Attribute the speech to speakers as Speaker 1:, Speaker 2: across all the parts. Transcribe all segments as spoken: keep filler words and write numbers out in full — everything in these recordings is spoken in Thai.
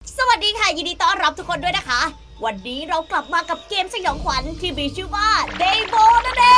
Speaker 1: สวัสดีค่ะยินดีต้อนรับทุกคนด้วยนะคะ วันนี้เรากลับมากับเกมสยองขวัญที่มีชื่อว่า Daybo นั่นเอง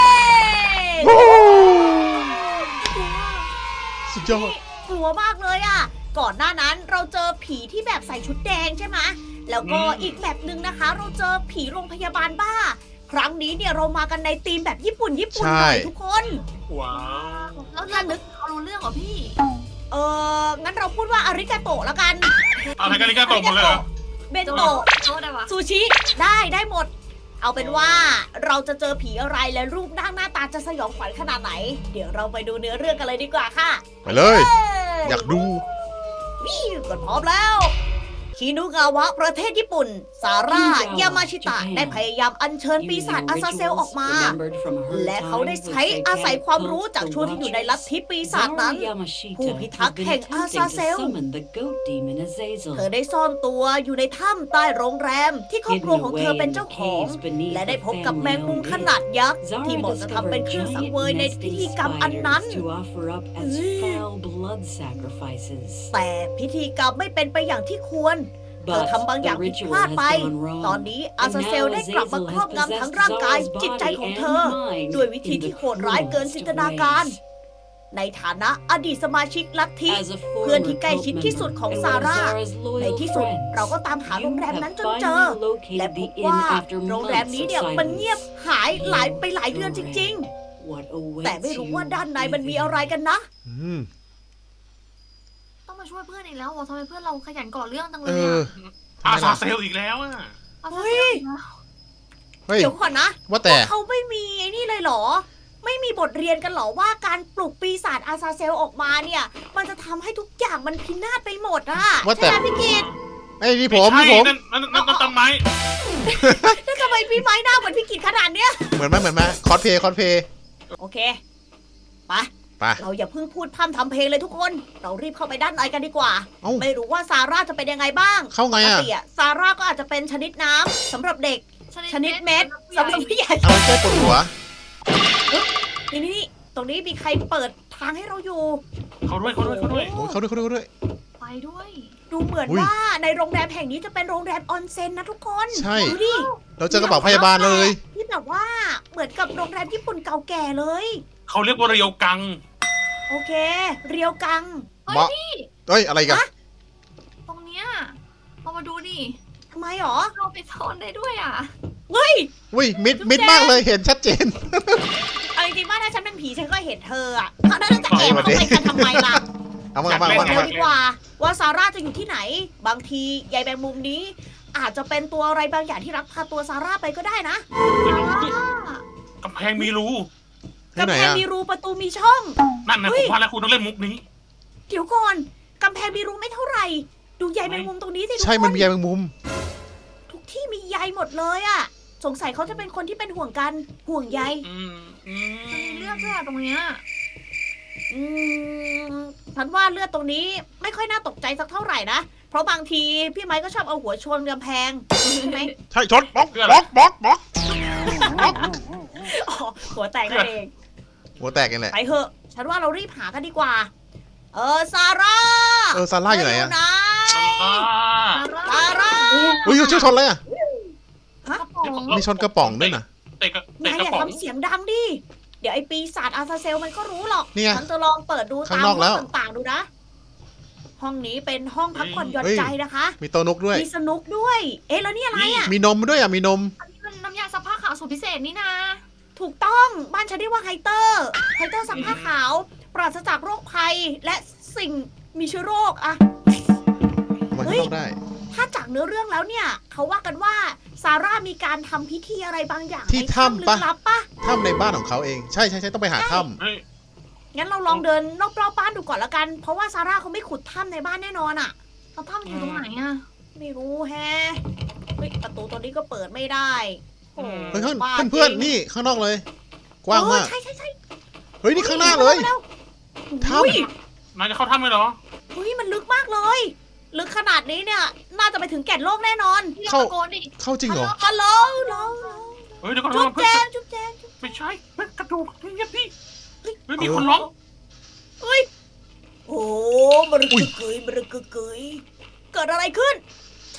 Speaker 2: สุดยอด
Speaker 1: กลัวมากเลยอ่ะ ก่อนหน้านั้นเราเจอผีที่แบบใส่ชุดแดงใช่ไหมแล้วก็อีกแบบหนึ่งนะคะ เราเจอผีโรงพยาบาลบ้า ครั้งนี้เนี่ยเรามากันในธีมแบบญี่ปุ่นญี่ปุ่นหน่อยทุกคน
Speaker 3: ว้าว
Speaker 1: แล้วถ้านึก
Speaker 4: เขารู้เรื่องเหรอพี่
Speaker 1: เอองั้นเราพูดว่าอาริกาโตะแล้วกัน
Speaker 3: อะไรกันนี่ก็ตกหมดเลยเหรอ
Speaker 1: เบนโตะ
Speaker 4: โต๊ะได้ปะ
Speaker 1: ซูชิได้ได้หมด เอาเป็นว่าเราจะเจอผีอะไรและรูปร่างหน้าตาจะสยองขวัญขนาดไหน เดี๋ยวเราไปดูเนื้อเรื่องกันเลยดีกว่าค่ะ
Speaker 2: ไปเลย อยากดู
Speaker 1: นี่กดพร้อมแล้วชินุกาวะประเทศญี่ปุ่น ซาร่ายามาชิตะได้พยายามอัญเชิญปีศาจอาซาเซลออกมา และเขาได้ใช้อาศัยความรู้จากช่วงที่อยู่ในลัทธิปีศาจนั้น ผู้พิทักษ์แห่งอาซาเซล เธอได้ซ่อนตัวอยู่ในถ้ำใต้โรงแรม ที่ครอบครัวของเธอเป็นเจ้าของ และได้พบกับแมงมุมขนาดยักษ์ที่เหมาะจะทำเป็นเครื่องสังเวยในพิธีกรรมอันนั้น แต่พิธีกรรมไม่เป็นไปอย่างที่ควร เธอทำบางอย่างผิดพลาดไป ตอนนี้อาซาเซลได้กลับมาครอบงำทั้งร่างกายจิตใจของเธอ ด้วยวิธีที่โหดร้ายเกินจินตนาการ ในฐานะอดีตสมาชิกลัทธิ เพื่อนที่ใกล้ชิดที่สุดของซาร่า ในที่สุดเราก็ตามหาโรงแรมนั้นจนเจอ และพบว่าโรงแรมนี้เนี่ยมันเงียบหายหลายไปหลายเดือนจริงๆ แต่ไม่รู้ว่าด้านในมันมีอะไรกันนะ
Speaker 2: อืม
Speaker 4: ต้องมาช่วยเพื่อนอีกแล้ววะทำไมเพื่อนเราขยันก่อเรื่องจังเล
Speaker 2: เอย อ
Speaker 4: อะ
Speaker 3: อาซาเซลอีกแล้วอ่ะ
Speaker 4: เอา
Speaker 1: เฮ้
Speaker 4: เฮ้
Speaker 1: ย
Speaker 4: ย
Speaker 2: เฮ้ย
Speaker 1: เดี๋ยวก่อนนะ
Speaker 2: ว่าแต่
Speaker 1: เขาไม่มีไอ้นี่เลยเหรอ ไม่มีบทเรียนกันเหรอว่าการปลุกปีศาจอาซาเซลออกมาเนี่ย มันจะทำให้ทุกอย่างมันพินาศไปหมดอะ
Speaker 2: ว่าแต่
Speaker 1: ใช่ไหมพี่กิต
Speaker 2: ไอ้ยนี่ผม
Speaker 3: ไใช่
Speaker 2: นี่ผม
Speaker 3: นั่นนั่นนั่นนั่นต้นไม้
Speaker 1: แล้วทำไมพี่ไม้หน้าเหมือนพี่กิตขนาดเนี้ย
Speaker 2: เหมือนไหมเหมือนไหมคอสเพย์คอสเพย์
Speaker 1: โอเคไป
Speaker 2: ไป
Speaker 1: เราอย่าเพิ่งพูดพร่ำทำเพลงเลยทุกคน เรารีบเข้าไปด้านในกันดีกว่า
Speaker 2: เอ้า
Speaker 1: ไม่รู้ว่าซาร่าจะเป็นยังไงบ้าง
Speaker 2: เข้าไง
Speaker 1: ปก
Speaker 2: อะ
Speaker 1: ติอะซาร่าก็อาจจะเป็นชนิดน้ำสำหรับเด็ก ชนิดเม็ดสำหรับผู้ใหญ่
Speaker 2: เอาไปแก้ปวดหัว
Speaker 1: นี่นี่นี่ตรงนี้มีใครเปิดทางให้เราอยู่
Speaker 3: เขาด้วยเขาด้วยเขาด้วย
Speaker 2: โอ้ยเขาด้วยเขาด้วยเขาด้วย
Speaker 4: ไปด้วย
Speaker 1: ดูเหมือน
Speaker 2: อุ๊ย
Speaker 1: ว่าในโรงแรมแห่งนี้จะเป็นโรงแรมออนเซ็นนะทุกคน
Speaker 2: ใช่
Speaker 1: ดูดิ
Speaker 2: เราเจอกระเป๋าพยาบาลเลย
Speaker 1: ที่แบบว่าเหมือนกับโรงแรมญี่ปุ่นเก่าแก่เลย
Speaker 3: เขาเรียกว่าเรียวกัง
Speaker 1: โอเค เรียวกัง
Speaker 4: เฮ้ย
Speaker 2: เหมาะ
Speaker 4: พี่
Speaker 2: เฮ้ย อะไรกัน
Speaker 1: ฮะ
Speaker 4: ตรงเนี้ยเรามาดูดิ
Speaker 1: ทำไมหรอ
Speaker 4: เราไปซ่อนได้ด้วยอ่ะ
Speaker 1: เฮ้ย
Speaker 2: อุ้ย มิด มิดมากเลย เห็นชัดเจน
Speaker 1: เอาจริงๆว่าถ้าฉันเป็นผีฉันก็เห็นเธออะเขาน่าจะแอบเข้าไปกันทำไมล่ะ
Speaker 2: เอามาเอามาเอามา
Speaker 1: เดี๋
Speaker 2: เอา
Speaker 1: ยว
Speaker 2: มา
Speaker 1: ดีกว่า ว่าซาร่าจะอยู่ที่ไหน บางทียายแมงมุมนี้ อาจจะเป็นตัวอะไรบางอย่างที่รักพาตัวซาร่าไปก็ได้นะ
Speaker 3: กำแพงมีรู
Speaker 2: ที่
Speaker 1: กำ
Speaker 2: ไหน
Speaker 1: แพง
Speaker 2: อะ
Speaker 1: มีรูประตูมีช่อง
Speaker 3: นั่นนะ
Speaker 1: เฮ้
Speaker 3: ผ
Speaker 1: ย
Speaker 3: มว่าแล้วคุณต้องเล่นมุกนี้
Speaker 1: เดี๋ยวก่อนกำแพงมีรูไม่เท่าไหร่ ดูใยแมงมุมตรงนี้สิทุก
Speaker 2: ใช่
Speaker 1: ค
Speaker 2: มัน
Speaker 1: น
Speaker 2: มีใยแมงมุม
Speaker 1: ทุกที่มีใยหมดเลยอะสงสัยเขาจะเป็นคนที่เป็นห่วงกันห่วงใย
Speaker 3: อืมอื
Speaker 4: มันมี
Speaker 3: ม
Speaker 4: เลือดด้วยอะตรงเนี้ย
Speaker 1: อืมฉันว่าเลือดตรงนี้ไม่ค่อยน่าตกใจสักเท่าไหร่นะ เพราะบางทีพี่ไม้ก็ชอบเอาหัวชนกำแพงใช่ไหม
Speaker 2: ใช่ ชนบล็อกบล็อกบล็อกบล็อก
Speaker 1: อ๋อหัวแตกนั่นเอง
Speaker 2: หัวแตกกันแหละ
Speaker 1: ไปเถอะ ฉันว่าเรารีบหากันดีกว่า เออซาร่า
Speaker 2: เออ ซาร่าอยู่ไหนอะ
Speaker 1: เธนะ
Speaker 3: อ่า
Speaker 1: ซาร่า
Speaker 2: อุ้ยชื่อชนอะไรอะ
Speaker 4: กระป๋อง
Speaker 2: มีชนกระป๋องด้วยนะ
Speaker 3: เตะกระ
Speaker 1: นาย
Speaker 3: เตะก
Speaker 1: อ
Speaker 3: ระ
Speaker 1: ย่า
Speaker 3: ป๋อง
Speaker 1: ทำเสียงดังดิ เดี๋ยวไอ้ปีศาจอาซาเซลมันก็รู้หรอก
Speaker 2: เนี่ย
Speaker 1: ฉันจะลองเปิดดู
Speaker 2: ข้า
Speaker 1: ตาง ม
Speaker 2: นอก
Speaker 1: ห้
Speaker 2: แล้
Speaker 1: อ
Speaker 2: ว
Speaker 1: งต่างๆดูนะ ห้องนี้เป็นห้องพักผ่อนหย่อน
Speaker 2: เฮ้ย
Speaker 1: ใจนะคะ
Speaker 2: มีโต๊ะนกด้วย
Speaker 1: มีสนุกด้วย เอ๊ะแล้วนี่อะไรอ่ะ
Speaker 2: มีนมด้วยอะมีนม
Speaker 4: อันนี้มันน้ำยาซักผ้าขาวสูตรพิเศษนี่นะ
Speaker 1: ถูกต้อง บ้านฉันเรียกว่าไฮเตอร์ ไฮเตอร์ซักผ้าขาว ปราศจากโรคภัย และสิ่งมีเชื้อโรคอะ
Speaker 2: มัน
Speaker 1: เฮ้ย
Speaker 2: เข้าได้
Speaker 1: ถ้าจากเนื้อเรื่องแล้วเนี่ย เขาว่ากันว่าซาร่ามีการทำพิธีอะไรบางอย่าง
Speaker 2: ที่
Speaker 1: ใน
Speaker 2: ถ้ำ
Speaker 1: ลึ
Speaker 2: ปะ
Speaker 1: กลับปะ
Speaker 2: ถ้ำในบ้านของเขาเอง ใช่ใช่ใช่ต้องไปหาถ้
Speaker 3: เฮ้ย
Speaker 1: งั้นเราลองเดินรอบๆบ้านดูก่อนละกัน เพราะว่าซาร่าเขาไม่ขุดถ้ำในบ้านแน่นอนอะ
Speaker 4: เราถ้ำอยู่ตรงไหนอ่ะ
Speaker 1: ไม่รู้แฮะเฮ้ยประตูตัวนี้ก็เปิดไม่ได้โอ้
Speaker 2: ำเฮ้ยเพื่อน
Speaker 1: บ้า
Speaker 2: เพื่อน
Speaker 1: จริง
Speaker 2: ๆนี่ข้างนอกเลย กว้างมาก
Speaker 1: เออใช่ใช่ใช่
Speaker 2: เฮ้ย นี่ข้างหน้าเลย
Speaker 1: ร็ว
Speaker 2: ถ้ำ
Speaker 1: อุ้ย
Speaker 3: นายจะเข้าถ้ำไหมเหรอ
Speaker 1: เฮ้ยมันลึกมากเลย ลึกขนาดนี้เนี่ย น่าจะไปถึงแก่นโลกแน่นอน
Speaker 4: พี่เรา
Speaker 2: เข้า
Speaker 4: ตะโกนดิ
Speaker 2: เข้าจริงเหรอ
Speaker 1: ฮัลโหลฮัลโหล
Speaker 3: เฮ้ยเดี๋ยวก่อน
Speaker 1: จุ๊บ
Speaker 3: เพื่
Speaker 1: แจ
Speaker 3: อน
Speaker 1: งจุ๊บแจง
Speaker 3: ไม่ใช่เฮ้ยกระดูกเงียบพี่เฮ้ยมีคนร้อง
Speaker 1: เฮ้ยโอ้มรึกกึกกยมรึกกึกกยเกิดอะไรขึ้น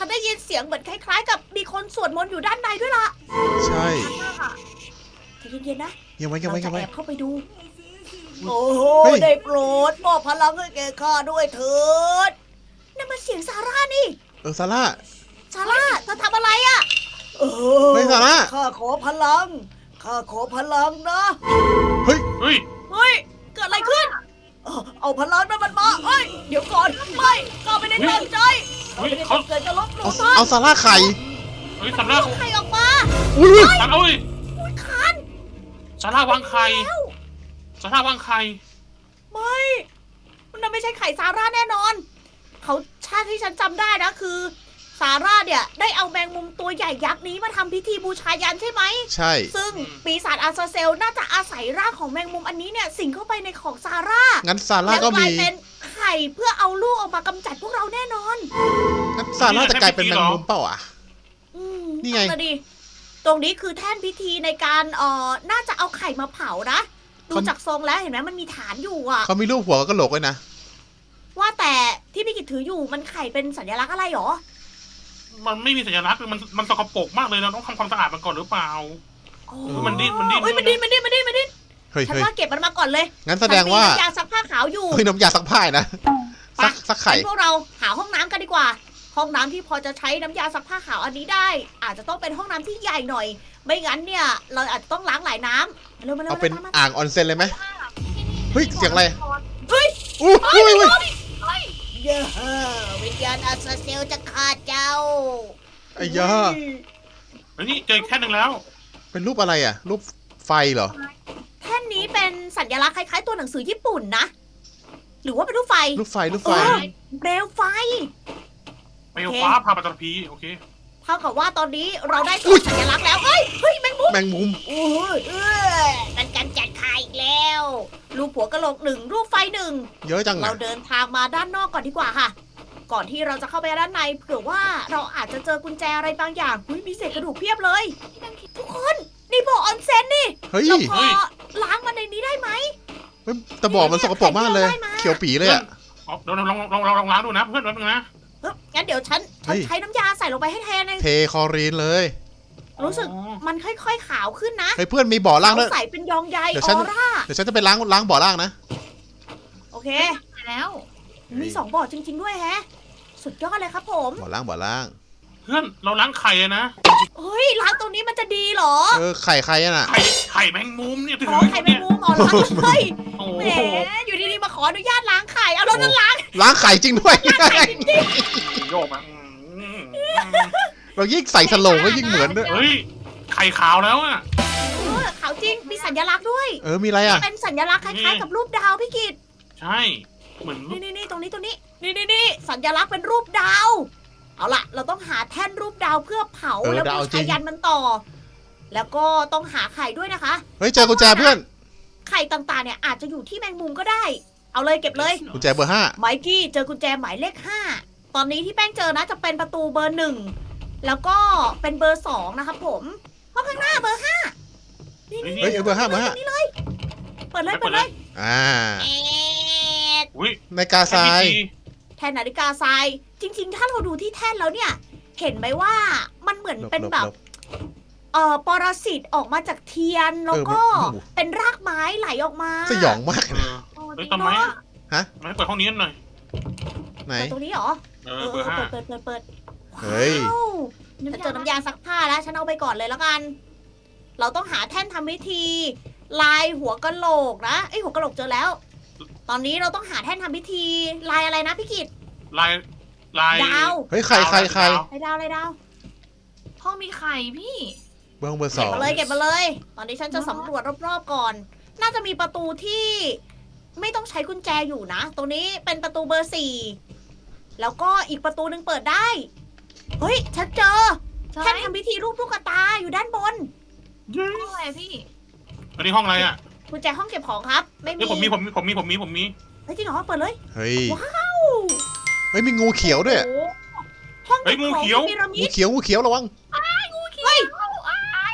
Speaker 1: ฉันได้ยินเสียงเหมือนคล้ายๆ กับมีคนสวดมนต์อยู่ด้านในด้วยล่ะ
Speaker 2: ใช่
Speaker 4: มากอะ
Speaker 1: ใจเย็นๆนะ
Speaker 2: ยังไว้ยัง
Speaker 1: เรา
Speaker 2: ไว้
Speaker 1: จะ
Speaker 2: ยังไว้
Speaker 1: แอบเข้าไปดู โอ้โห
Speaker 2: เฮ้ย
Speaker 1: ได้โปรดมอบพลังให้แกข้าด้วยเถิดนั่นมันเสียงซาร่านี่
Speaker 2: เออซาร่า
Speaker 1: ซาร่าเธอทำอะไรอ่ะเอ
Speaker 2: เฮ้ยซาร่า
Speaker 1: ข้าขอพลัง ข้าขอพลังนะ
Speaker 2: เฮ้ย
Speaker 3: เฮ้ย
Speaker 1: เฮ้ย เกิดอะไรขึ้น เอาเอาพลังนั้นมันมาเฮ้ย เดี๋ยวก่อน ไม่ข้าไม่ได้ตั้งใจ
Speaker 3: เฮ้ย
Speaker 1: ไม่ได้
Speaker 3: เขา
Speaker 1: ตั้งใจจะลบหลู่
Speaker 2: เอา
Speaker 1: ท่าน
Speaker 2: เอาซาร่าไข่
Speaker 3: เฮ้ยซาร่า
Speaker 1: เอาใครออกมา
Speaker 2: อุ้ย
Speaker 3: ซาร่าเอ้ย
Speaker 1: อุ้ยคัน
Speaker 3: ซาร่าวางไข่
Speaker 1: แล้ว
Speaker 3: ซาร่าวางไข่
Speaker 1: ไม่มันน่ะไม่ใช่ไข่ซาร่าแน่นอน เขาชาติที่ฉันจำได้นะคือซาร่าเนี่ยได้เอาแมงมุมตัวใหญ่ยักษ์นี้มาทำพิธีบูชายันใช่ไหม
Speaker 2: ใช่
Speaker 1: ซึ่งปีศาจอาซาเซลน่าจะอาศัยร่างของแมงมุมอันนี้เนี่ยสิงเข้าไปในของซาร่า
Speaker 2: งั้นซาร่า
Speaker 1: แล้ว
Speaker 2: ก็
Speaker 1: ก
Speaker 2: มี
Speaker 1: ลายเป็นไข่เพื่อเอาลูกออกมากำจัดพวกเราแน่นอน
Speaker 2: งั้นซาร่าจะกลายเป็นแมงมุมเปล่าอ่ะ
Speaker 1: อืม
Speaker 2: นี่ไง
Speaker 1: นั่นน่ะดิตรงนี้คือแท่นพิธีในการเอ่อน่าจะเอาไข่มาเผานะดูจากทรงแล้วเห็นไหมมันมีฐานอยู่อะ
Speaker 2: เขามีรูปหัวกับกระโหลกด้วยนะ
Speaker 1: ว่าแต่ที่พี่กิตถืออยู่มันไข่เป็นสัญลักษณ์อะไรหรอ
Speaker 3: มันไม่มีสัญลักษณ์เลยมันมันสกปรกมากเลยเราต้องทำความสะอาดมันก่อนหรือเปล่า
Speaker 1: อ๋อ
Speaker 3: เออมันดิ้นมันดิ้น
Speaker 1: เฮ้ยมันดิ้นมันดิ้นมันดิ้นมันดิ้น
Speaker 2: เฮ้ย
Speaker 1: ฉัน
Speaker 2: เฮ้ย
Speaker 1: ว่าเก็บมันมาก่อนเลย
Speaker 2: งั้นแสดงว่า
Speaker 1: ฉันมีน้ำยาซักผ้าขาวอยู่
Speaker 2: เฮ้ยน้ำยาซักผ้านะซักซักไข่
Speaker 1: งั้นพวกเราหาห้องน้ำกันดีกว่า ห้องน้ำที่พอจะใช้น้ำยาซักผ้าขาวอันนี้ได้ อาจจะต้องเป็นห้องน้ำที่ใหญ่หน่อย ไม่งั้นเนี่ยเราอาจจะต้องล้างหลายน้ำมาเร็วมาเร็ว
Speaker 2: เอาเป็น
Speaker 1: ตมมา
Speaker 2: อ่างออนเซ็นเลยไหม เฮ้ยเสียงอะไร
Speaker 1: เฮ้ย
Speaker 2: อู้หู้ยเว้ย
Speaker 1: เย้วิญญาณอาซาเซลจะฆ่าเจ้า
Speaker 2: ไอ้ย่า
Speaker 3: เฮ้ยนี่เจออีกแค่หนึ่งแล้ว
Speaker 2: เป็นรูปอะไรอ่ะ รูปไฟเหรอ
Speaker 1: แท่นนี้เป็นสัญลักษณ์คล้ายๆตัวหนังสือญี่ปุ่นนะ หรือว่าเป็นรูปไฟ
Speaker 2: รูปไฟรูป
Speaker 1: เอ
Speaker 2: ไฟ
Speaker 1: อเปลวไฟ
Speaker 3: เปลวฟ้าพาปัตตภีโอเค
Speaker 1: เท่ากับว่าตอนนี้เราได้ตัวสัญลักษณ์แล้ว เฮ้ย เฮ้ยแมงมุม
Speaker 2: แมงมุม
Speaker 1: โอ้ยเออเป็นการจัดคายอีกแล้ว รูปหัวกะโหลกหนึ่งรูปไฟหนึ่ง
Speaker 2: เยอะจัง
Speaker 1: เรา
Speaker 2: อ่ะ
Speaker 1: เดินทางมาด้านนอกก่อนดีกว่าค่ะ ก่อนที่เราจะเข้าไปด้านในเผื่อว่าเราอาจจะเจอกุญแจอะไรบางอย่างอุ๊ยมีเศษกระดูกเพียบเลย ทุกคนนี่บ่อออนเซ็นนี่
Speaker 2: เฮ้ย
Speaker 1: เราพ
Speaker 3: เฮ้
Speaker 1: อย ล้างมันในนี้ได้ไหม
Speaker 2: เฮ้ยแต่บอกมันสกปรกมากเลย
Speaker 1: ได้มา
Speaker 2: เขียวปีเลยอ่ะ
Speaker 3: เอาเดี๋ยวลองลองลองลองล้างดูนะเพื่อนแป๊บนึงนะ
Speaker 1: เฮ้ยงั้นเดี๋ยวฉันฉัน
Speaker 2: เฮ้ย
Speaker 1: ใช้น้ำยาใส่ลงไปให้แทนเลย
Speaker 2: เทคลอรีนเลย
Speaker 1: รู้สึก
Speaker 3: อ๋อ
Speaker 1: มันค่อยๆขาวขึ้นนะ
Speaker 2: เฮ้ยเพื่อนมีบ่อล่างด้วย
Speaker 1: ใส่เป็นยองใย
Speaker 2: เดี๋ยว
Speaker 1: อ
Speaker 2: ฉัน
Speaker 1: อร่า
Speaker 2: เดี๋ยวฉันจะไปล้างล้างบ่อล่างนะ
Speaker 1: โอเค
Speaker 4: ไปแล้ว
Speaker 1: มีสองบ่อจริง ๆ ด้วยแฮะ สุดยอดเลยครับผม
Speaker 2: บ่อล่างบ่อล่าง
Speaker 3: เพื่อนเราล้างไข่อะนะ
Speaker 1: เฮ้ยล้างตรงนี้มันจะดีเหรอ
Speaker 2: เออไข่ใครอะน่ะ
Speaker 3: ไข่ไข่แมงมุมเนี่ยถื
Speaker 1: อ๋อ
Speaker 3: อ
Speaker 1: ไข่แมงมุมอ๋อล้างเลย
Speaker 3: โอ้
Speaker 1: แห
Speaker 3: โห
Speaker 1: มอยู่ดีๆมาขออนุญาตล้างไข่เอาแล้วนั่นล้าง
Speaker 2: ล้างไข่จริงด้วย
Speaker 1: ไข่จริง
Speaker 3: โยกมาอืม
Speaker 2: เรายิ่งใส่สโลงก็ยิ่งเหมือนด้วย
Speaker 3: เฮ้ยไข่ขาวแล้วอะ
Speaker 1: ๆเออขาวจริงมีสัญลักษณ์ด้วย
Speaker 2: เออมีอะไรอ่ะ
Speaker 1: เป็นสัญลักษณ์คล้ายๆกับรูปดาวพี่กิต
Speaker 3: ใช่เหมือน
Speaker 1: นี่นี่นี่ตรงนี้ตรงนี้นี่นี่นี่สัญลักษณ์เป็นรูปดาว เอาล่ะ เราต้องหาแท่นรูปดาวเพื่อเผา
Speaker 2: เออ
Speaker 1: แล้ว
Speaker 2: ดาว
Speaker 1: บู
Speaker 2: จริ
Speaker 1: ชาง ยันมันต่อ แล้วก็ต้องหาไข่ด้วยนะคะ
Speaker 2: เฮ้ยเจอกุญแจเพื่อน
Speaker 1: ไข่ต่างๆเนี่ยอาจจะอยู่ที่แมงมุมก็ได้ เอาเลยเก็บเลย
Speaker 2: กุญแจเบอร์ห้า
Speaker 1: ไมกี้เจอกุญแจหมายเลขห้า ตอนนี้ที่แป้งเจอนะจะเป็นประตูเบอร์หนึ่ง แล้วก็เป็นเบอร์สองนะครับผมห้องข้างหน้าเบอร์ห้านี่นี่
Speaker 2: เฮ้ยเบอร์ห้าเบอร์ห้า
Speaker 1: นี่เลย เปิดเลยเปิดเลย
Speaker 2: อ่า
Speaker 1: เอ็ด
Speaker 3: อุ้ย
Speaker 2: ในกาทราย
Speaker 1: แท่นนาฬิกาทราย จริง ๆ ถ้าเราดูที่แท่นแล้วเนี่ย เห็นไหมว่ามันเหมือน
Speaker 2: หลบ
Speaker 1: เป็น
Speaker 2: หลบ
Speaker 1: แบบ
Speaker 2: หลบ
Speaker 1: เอ่อปรสิตออกมาจากเทียน แล้วก็
Speaker 2: เออมัน
Speaker 1: เป็นรากไม้ไหลออกมา
Speaker 2: สยองมาก
Speaker 3: เอ
Speaker 2: นะ
Speaker 3: อ
Speaker 4: โอ้
Speaker 3: เฮ้ย
Speaker 4: จริง
Speaker 3: ทำไม
Speaker 4: เนาะ
Speaker 3: อะ ทำไมเปิดห้องนี้หน่อย
Speaker 2: ไหน
Speaker 1: เปิดตรงนี้เหรอ
Speaker 3: เออเบอร์ห้า
Speaker 1: เปิดเปิดเปิด
Speaker 2: เฮ้ย
Speaker 1: ว้าวฉันเจอน้ำยาซักผ้าแล้ว ฉันเอาไปก่อนเลยแล้วกัน เราต้องหาแท่นทำพิธี ลายหัวกะโหลกนะไอยหัวกะโหลกเจอแล้ว ตอนนี้เราต้องหาแท่นทำพิธี ลายอะไรนะพี่กิต
Speaker 3: ลายลาย
Speaker 1: ดาว
Speaker 2: เฮ้ยใครใครใคร
Speaker 1: ลายดาวลายดาว
Speaker 4: ห้องมีไข่พี่
Speaker 2: เบอร์ห้องเบอร์ส
Speaker 1: เก็บ
Speaker 2: อง
Speaker 1: มาเลยเก็บมาเลย ตอนนี้ฉันจะสำรวจรอบๆก่อน น่าจะมีประตูที่ไม่ต้องใช้กุญแจอยู่นะ ตรงนี้เป็นประตูเบอร์สี่ แล้วก็อีกประตูหนึ่งเปิดได้ เฮ้ย ฉันเจอ
Speaker 4: ใช่
Speaker 1: แท่นทำพิธีรูปลูกตาอยู่ด้านบน
Speaker 4: ห้องอะไรพี่
Speaker 3: อันนี้ห้องอะไรอ่ะ
Speaker 1: กุญแจห้องเก็บของครับ ไม่มี
Speaker 3: เฮ้ยผมมีผมมีผมมีผมมีผมมี
Speaker 1: เฮ้ยจริงเหรอเปิดเลย
Speaker 2: เฮ้ย
Speaker 1: ว้าว
Speaker 2: เฮ้ยมีงูเขียวด้วย
Speaker 1: โอ้โหห้อง
Speaker 3: เฮ้
Speaker 1: เก็
Speaker 3: ย
Speaker 1: บ
Speaker 3: งู
Speaker 1: ของ
Speaker 3: เขียว
Speaker 1: พีระมิ
Speaker 2: งู
Speaker 1: ด
Speaker 2: เขียวงูเขียวระวัง
Speaker 1: เฮ้ย
Speaker 4: อ้าย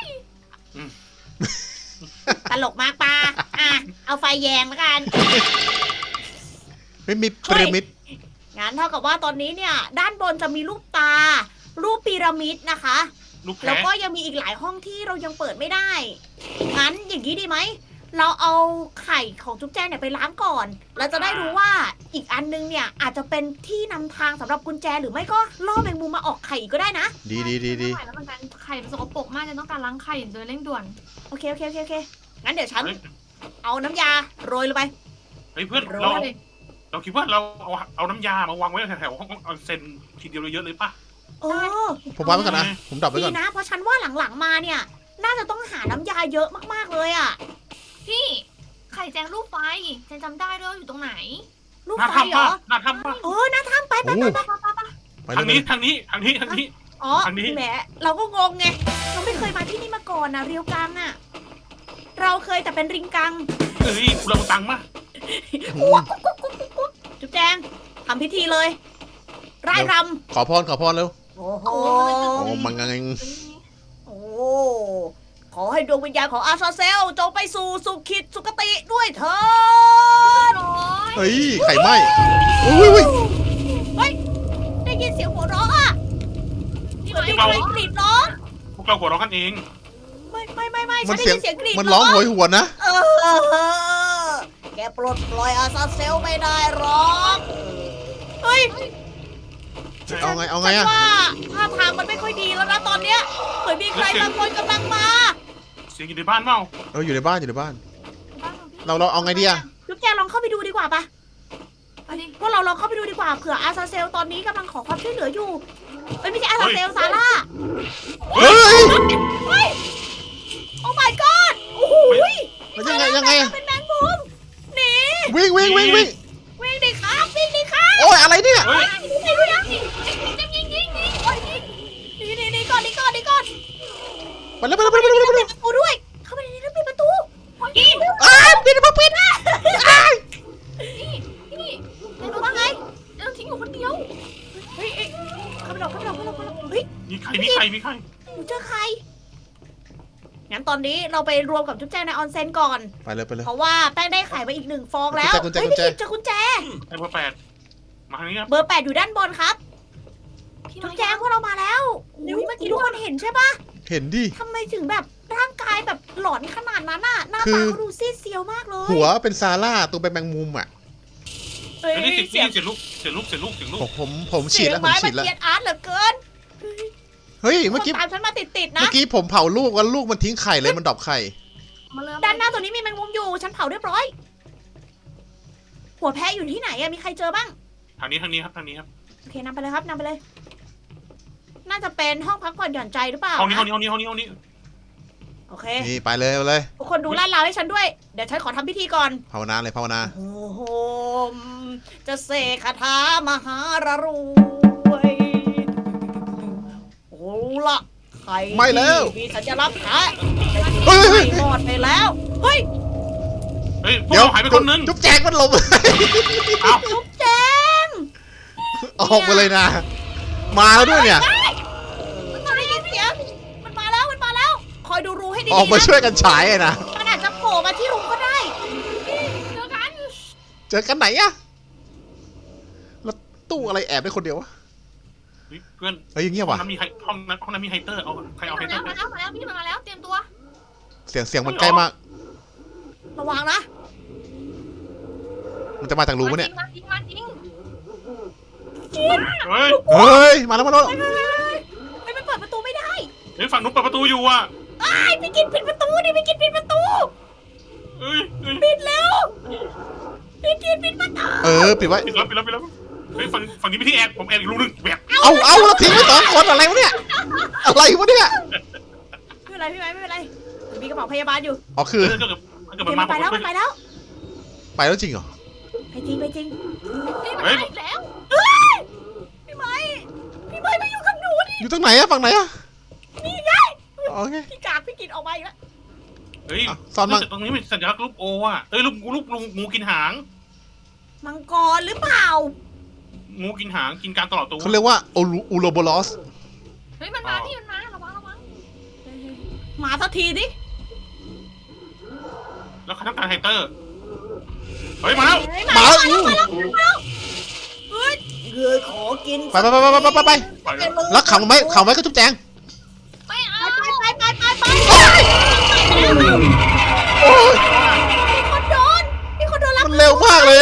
Speaker 1: ตลกมากปาอ่ะ เอาไฟแยงแล้วกัน
Speaker 2: ไม่มีพีระมิด
Speaker 1: งั้นเท่ากับว่าตอนนี้เนี่ย ด้านบนจะมีรูปตาระมิดนะคะ
Speaker 3: ลูก
Speaker 1: แล้ว
Speaker 3: แพ้
Speaker 1: ก็ยังมีอีกหลายห้องที่เรายังเปิดไม่ได้ งั้นอย่างนี้ดีไหม เราเอาไข่ของจุ๊บแจงเนี่ยไปล้างก่อน เราจะได้รู้ว่าอีกอันนึงเนี่ยอาจจะเป็นที่นำทางสำหรับกุญแจหรือไม่ก็ล่อแมงมุมมาออกไข่อีกก็ได้นะ
Speaker 2: ดีดีดีดี
Speaker 4: ไม่ไหวแล้วเหมือนกันไข่มันสกปรกมากจะต้องการล้างไข่โดยเร่งด่วน
Speaker 1: โอเคโอเคโอเคโอเค งั้นเดี๋ยวฉัน
Speaker 3: เฮ้ย
Speaker 1: เอาน้ำยาโรยลงไป
Speaker 3: เฮ้ยเพื่อน
Speaker 1: โร
Speaker 3: เรา
Speaker 1: ย
Speaker 3: เราคิดว่าเราเอาเอาน้ำยามาวางไว้แถวๆห้องออนเซ็นทีเดียวเยอะเลยป่ะ
Speaker 1: เออ
Speaker 2: ผมวางไว้ก่อนนะ ผมดับไว้
Speaker 1: ดี
Speaker 2: ก่อน
Speaker 1: นะ เพราะฉันว่าหลังๆมาเนี่ย น่าจะต้องหาน้ำยาเยอะมากๆเลยอะ
Speaker 4: พี่ไข่แจงรูปไฟแจงจำได้ด้วยว่าอยู่ตรงไหน
Speaker 1: ลูก
Speaker 3: หน้า
Speaker 1: ไฟเหร
Speaker 3: ทำป่ะ
Speaker 1: อ
Speaker 3: หน้าทำป่ะ
Speaker 1: เออน่าทำไปไป
Speaker 2: โอ้
Speaker 1: ไป
Speaker 2: โห
Speaker 1: ไป
Speaker 2: ไป
Speaker 3: ทาง
Speaker 2: เล
Speaker 3: นี้
Speaker 2: ย
Speaker 3: ทางนี้ทางนี้ทางนี้
Speaker 1: อ๋อ
Speaker 3: ทางนี้
Speaker 1: แหมเราก็งงไง เราไม่เคยมาที่นี่มาก่อนนะเรียวกังอะเราเคยแต่เป็นริงกัง
Speaker 3: เอ้ยกูเราตังค์มา
Speaker 1: จุ๊บแจงทำพิธีเลยร่ายร
Speaker 2: ขอพรขอพรเร็ว
Speaker 1: ำโอ้โห
Speaker 2: โอ้มังงัง
Speaker 1: โอ้ขอให้ดวงวิญญาณของอาซาเซลจงไปสู่สุขิตสุคติด้วยเถิด
Speaker 4: ร้อย
Speaker 2: เฮ้ย ไข่ไหม้อุ้ยอุ้ย
Speaker 1: เฮ้ยได้ยินเสียงหัวเราะอะ
Speaker 4: พี่
Speaker 1: เหมือน
Speaker 4: ไม้
Speaker 1: มี
Speaker 4: บอ
Speaker 1: ใคร
Speaker 4: ก
Speaker 1: กรีดร้อง
Speaker 3: พวกเราหัวเราะกันเอง
Speaker 1: ไม่ไม่ไม่ไม่
Speaker 2: มั
Speaker 1: ฉั
Speaker 2: น
Speaker 1: นได้
Speaker 2: เสียง
Speaker 1: ยินเสียงกรีด
Speaker 2: มันร้องโหยหวนนะ
Speaker 1: เออแกปลดปล่อยอาซาเซลไม่ได้หรอกเฮ้ย
Speaker 2: เอาไง เอาไง
Speaker 1: ฉั
Speaker 2: อะ
Speaker 1: นว่าท่าทางมันไม่ค่อยดีแล้วนะตอนเนี้ยเหมือนมีใครบางคนกำลังมา
Speaker 3: เสียงอยู่ในบ้านเปล่า
Speaker 2: เอออยู่ในบ้านอยู่ในบ้าน
Speaker 4: บ้านของพี่
Speaker 2: เราเราเอาไงดีอะ
Speaker 1: จุ๊บแจลองเข้าไปดูดีกว่าปะ
Speaker 4: ไปดิ
Speaker 1: พวกเราลองเข้าไปดูดีกว่าเผื่ออาซาเซลตอนนี้กำลังขอความช่วยเหลืออยู่เอ้ยไม่ใช่อาซาเซลซาร่า
Speaker 2: เฮ้ย
Speaker 1: เฮ้ยโอ้ my god โอ้โห
Speaker 2: มันยังไงยังไงอะ
Speaker 1: เป็นแมงมุมหนี
Speaker 2: วิ่งวิ่งวิ่งวิ่ง
Speaker 1: วิ่งดิครับวิ่งดิครับ
Speaker 2: โอ้ยอะไรเนี่ย
Speaker 3: เฮ้ย
Speaker 1: ไปดูยัง
Speaker 4: ยิงยิงยิงยิงยิงโอ้ยยิง
Speaker 1: หนีหนีหนีก่อนหนีก่อนหนีก่อน
Speaker 2: ไปแล้วไปแล้วไปแล้วไปแล้วไป
Speaker 1: ปิ
Speaker 2: แล้ว
Speaker 1: ดประตูด้วย เข้าไปในนี้แล้วปิดประตู
Speaker 4: โอ้ยยิง
Speaker 2: อ้าวปิดมาปิดนะอ้าว
Speaker 4: นี่นี่
Speaker 1: เดี๋ยวว่าไง
Speaker 4: เราทิ้งอยู่คนเดียว
Speaker 1: เฮ้ยเอ้ยเข้าไปหลบเข้าไปหลบเข้าไปหลบเข้าไปหลบเฮ้ย
Speaker 3: มีใครมีใครมีใคร
Speaker 1: หนูเจอใคร งั้นตอนนี้เราไปรวมกับจุ๊บแจงในออนเซ็นก่อน
Speaker 2: ไปเลยไปเลย
Speaker 1: เพราะว่าแป้งได้ไข่มาอีกหนึ่งฟองแล้ว
Speaker 2: กุญแจ
Speaker 1: เฮ้ย
Speaker 2: กุญแจ
Speaker 1: พี่กิจเจอกุญแจ
Speaker 3: ไอ้เบอร์แปดมาทางนี้ครับ
Speaker 1: เบอร์แปดอยู่ด้านบนครับ
Speaker 4: พี่
Speaker 1: จุ๊
Speaker 4: ไม้
Speaker 1: บแจงพวกเรามาแล้วอุ๊ยเมื่อกี้ทุกคนเห็นใช่ปะ
Speaker 2: เห็นดิ
Speaker 1: ทำไมถึงแบบร่างกายแบบหลอนขนาดนั้นน่ะ หน้า
Speaker 2: คื
Speaker 1: ตา
Speaker 2: อ
Speaker 1: เขาดูซีดเซียวมากเลย
Speaker 2: หัวเป็นซาร่าตัวเป็นแมงมุมอ่ะ
Speaker 1: เฮ้ย
Speaker 3: เฮ้ยนี่เสี
Speaker 1: เสี
Speaker 3: ย
Speaker 1: ย
Speaker 3: ง
Speaker 1: ง
Speaker 3: เสียงลูกเสียงลูกเสียงลูกเสียงลู
Speaker 2: ผ
Speaker 3: ก
Speaker 2: มผมผมฉี
Speaker 1: เสี
Speaker 2: ด
Speaker 1: ยง
Speaker 2: แล้วผม
Speaker 1: ไม้
Speaker 2: ฉี
Speaker 1: มัน
Speaker 2: ดแล้ว
Speaker 1: เกลียดอาร์ตเหลือเกิน
Speaker 2: เฮ้ย
Speaker 1: ค
Speaker 2: เมื่อน กี้
Speaker 1: ตามฉันมาติดๆนะ
Speaker 2: เมื่อกี้ผมเผาลูกแล้วลูกมันทิ้งไข่เลยมันดรอปไข่
Speaker 4: มาเลย
Speaker 1: ด้านหน้าตัวนี้มีแมงมุมอยู่ ฉันเผาเรียบร้อย หัวแพะอยู่ที่ไหนอะมีใครเจอบ้าง
Speaker 3: ทางนี้ทางนี้ครับทางนี้ครับ
Speaker 1: โอเคนำไปเลยครับนำไปเลย น่าจะเป็นห้องพักผ่อนหย่อนใจหรือเปล่า
Speaker 3: ห้องนี้ห้อง
Speaker 1: นะ
Speaker 3: นี้ห้องนี้ห้องนี้ห้องนี้
Speaker 1: โอเค
Speaker 2: นี่ไปเลยไปเลย
Speaker 1: ทุกคนดูลาดราวให้ฉันด้วย เดี๋ยวฉันขอทำพิธีก่อน
Speaker 2: ภาวนาเลยภาวนา
Speaker 1: โอ้โหมจะเสกคาถามหารรวยโอ้ละใคร
Speaker 2: ไม่แล้ว
Speaker 1: ที่มีสัญลักษณ์แพะ
Speaker 2: เฮ้ยเฮ้ย
Speaker 1: ไม่รอดไปแล้ว เฮ้ย
Speaker 3: เฮ้ยพวก
Speaker 2: เดี๋ยว
Speaker 3: เราหายไปคนนึง
Speaker 2: จุ๊บแจงมันหลบ
Speaker 3: เอ้า
Speaker 1: จุ๊บแจง
Speaker 2: ออกมาเลยนะ มาแล้วด้วยเนี่ย
Speaker 1: มันได้ยินเสียงมันมาแล้วมันมาแล้ว คอยดูรูให้ดี
Speaker 2: ออก
Speaker 1: ๆ
Speaker 2: มา
Speaker 1: นะ
Speaker 2: ช่วยกันฉายอะนะ
Speaker 1: มันอาจจะโผล่มาที่รูก็ได้
Speaker 4: เจอกัน
Speaker 2: เจอกันไหนอะแล้วตู้อะไรแอบได้คนเดียววะ
Speaker 3: เฮ้ยเพื่อน
Speaker 2: เฮ้ยเงียบ
Speaker 3: ห้อง
Speaker 2: ว่ะ
Speaker 3: นั้นมีไฮห้องนั้นห้องนั้นมีไฮเตอร์เอาใครเอาไฮ
Speaker 4: มา
Speaker 3: เตอ
Speaker 4: แล้ว
Speaker 3: ร์
Speaker 4: มาแล้วมาแล้วพี่มาแล้วเตรียมตัว
Speaker 2: เสียงเสียงมันใกล้มาก
Speaker 1: ระวังนะ
Speaker 2: มันจะมาจากรูปะเนี่ย
Speaker 4: มาจริงมาจริง
Speaker 3: เฮ้ย
Speaker 2: เฮ้ย มาแล้วมาแล้ว
Speaker 1: เฮ้ยเฮ้ยเฮ้ยเฮ้ยมันเปิดประตูไม่ได้
Speaker 3: เฮ้ยฝั่งนู้นเปิดประตูอยู่อ่ะ
Speaker 1: ไอ้ายพี่กินปิดประตูดิพี่กินปิดประตู
Speaker 3: เฮ้ยเฮ้ย
Speaker 1: ปิดแล้วพี่กินปิดประตู
Speaker 2: เออปิดไว้
Speaker 3: ปิดแล้วปิดแล้วปิดแล้วเฮ้ยฝั่งฝั่งนี้พี่ที่แอบผมแอบอีกรูนึงแบบ
Speaker 2: เอาเอาแล้วทิ้งไว้สองคนอะไรวะเนี่ย อะไรวะเนี่ย
Speaker 1: ไม่เป็นไรพี่ไม้ไม่เป็นไรมีกระเป๋าพยาบาลอยู่
Speaker 2: อ๋อคือ
Speaker 3: เออเกิดเกิด
Speaker 1: เดี๋
Speaker 3: มั
Speaker 1: ยวน มั
Speaker 3: มาน
Speaker 1: ไปแล้ว
Speaker 3: ผ
Speaker 1: มัน
Speaker 3: ม
Speaker 1: ไปแล้ว
Speaker 2: ไปแล้วจริงเหรอ
Speaker 1: ไปจริงไปจริง
Speaker 4: นี่มันมาอีกแล้ว
Speaker 1: เฮ้ยพี่ไม้พี่ไม้มาอยู่กับหนูดิ
Speaker 2: อยู่ตรงไหนอะฝั่งไหนอะ
Speaker 1: นี่ไง
Speaker 2: โอเค
Speaker 1: พี่กากพี่กินออกมาอีกแล้ว
Speaker 3: เฮ้ย
Speaker 2: อ่ะซ่อนมา
Speaker 3: ตรงนี้เป็นสัญลักษณ์รูปโออ่ะเอ้ยรูปรูปงูกินหาง
Speaker 1: มังกรหรือเปล่า
Speaker 3: งูกินหางกินการตลอดตัว
Speaker 2: เขาเรียกว่าโอลูอูโรโบลอส
Speaker 4: เฮ้ยมันมาพี่มันมาระวังระวัง
Speaker 1: มาสักทีดิ
Speaker 3: แล้วเขาต้องการไฮเตอร์เฮ้ยมาแล้ว
Speaker 1: เฮ้ย
Speaker 2: มา
Speaker 1: มา
Speaker 2: แล้ว
Speaker 1: แล้ว
Speaker 2: อู้
Speaker 1: มาแล้วมาแล้วเฮ้ยเเฮ้ยขอกิน
Speaker 2: ไปไปไปไปไปไปไป
Speaker 3: ปล่อยแล้ว
Speaker 2: แล้วขังไว้ขังไว้ก็จุ๊บแจง
Speaker 4: ไม่เอา
Speaker 1: ไปไปไปไปไป
Speaker 2: โอ้ย
Speaker 1: มีคนโดนมีคนโดนรับ
Speaker 2: มันเร็วมากเลยอะ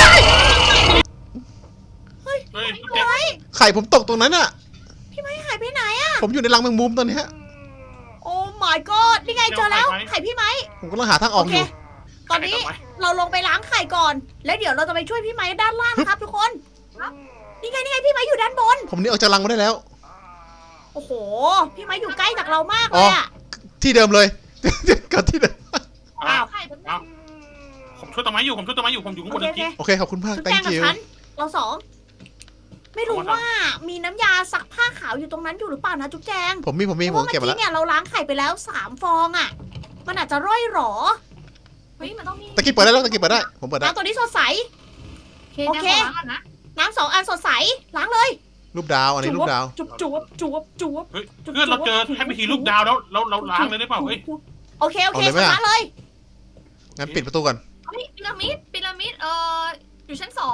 Speaker 1: เฮ้ย
Speaker 3: เฮ้ย
Speaker 1: เฮ้ย
Speaker 2: ไข่ผมตกตรงนั้นอะ
Speaker 1: พี่ไม้หายไปไหนอะ
Speaker 2: ผมอยู่ในรังแมงมุมตอนเนี้ย
Speaker 1: โอ้ my god นี่ไงเจอแล้วไข่พี่ไม้
Speaker 2: ผมกำลังหาทางอ
Speaker 1: โอ
Speaker 2: อก
Speaker 1: เค
Speaker 2: อยู่
Speaker 1: ตอนนี้เราลงไปล้างไข่ก่อน แล้วเดี๋ยวเราจะไปช่วยพี่ไม้ด้านล่างครับทุกคนนี่ไงนี่ไงพี่ไม้อยู่ด้านบน
Speaker 2: ผมหนี่ออกจากรังมาได้แล้ว
Speaker 1: โอ้โห พี่ไม้อยู่ใกล้จากเรามากเลยอะ
Speaker 2: ที่เดิมเลย กับที่เดิม
Speaker 3: อ้าว
Speaker 4: ไข่เป็น
Speaker 3: อ้าวผมช่วยต้นไม้อยู่ผมช่วยต้นไม้อยู่ผมอยู่ข้าง
Speaker 1: โอบ
Speaker 3: น
Speaker 1: เค
Speaker 3: จ
Speaker 1: โอเค
Speaker 3: ริง
Speaker 2: โอเคขอบคุณมาก
Speaker 1: จุ๊บแจง
Speaker 2: thank
Speaker 1: กับ
Speaker 2: you
Speaker 1: ฉันเราสองไม่รู้
Speaker 3: เอามาทำ
Speaker 1: ว่ามีน้ำยาซักผ้าขาวอยู่ตรงนั้นอยู่หรือเปล่านะจุ๊บแจง
Speaker 2: ผมมีผมมี
Speaker 1: เพ
Speaker 2: ผ
Speaker 1: ราะ
Speaker 2: ม
Speaker 1: ว่า
Speaker 2: เก็บ
Speaker 1: เมื่
Speaker 2: มา
Speaker 1: อ
Speaker 2: แล้ว
Speaker 1: กี้เนี่ยเราล้างไข่ไปแล้วสามฟองอะมันอาจจะร่อยหรอ
Speaker 4: เฮ้ยมันต้องมี
Speaker 2: ตะกี้เปิดได้แล้วตะกี้เปิดได้ผมเปิดได้
Speaker 1: น้ำตัวนี้สดใส
Speaker 4: โอเคงั้นขอล้างก่อนนะ
Speaker 1: น้ำสองอันสดใสล้างเลย
Speaker 2: รูปดาวอันนี้รูปดาว
Speaker 1: จุ๊บจุ๊บจุ๊บจุ๊บ
Speaker 3: ๆเฮ้ยเพื่อนเราเจอแค่พิธีลูกดาวแล้วเราเราล้างเลยได้เปล่าเฮ้ย
Speaker 1: โอเคโอเค
Speaker 2: เอาเลยไหม
Speaker 1: ช
Speaker 2: อะ
Speaker 1: นะเลย
Speaker 2: งั้นปิดประตูก่อน
Speaker 4: เฮ้ยพีระมิดพีระมิดเอ่ออยู่ชั้นสอง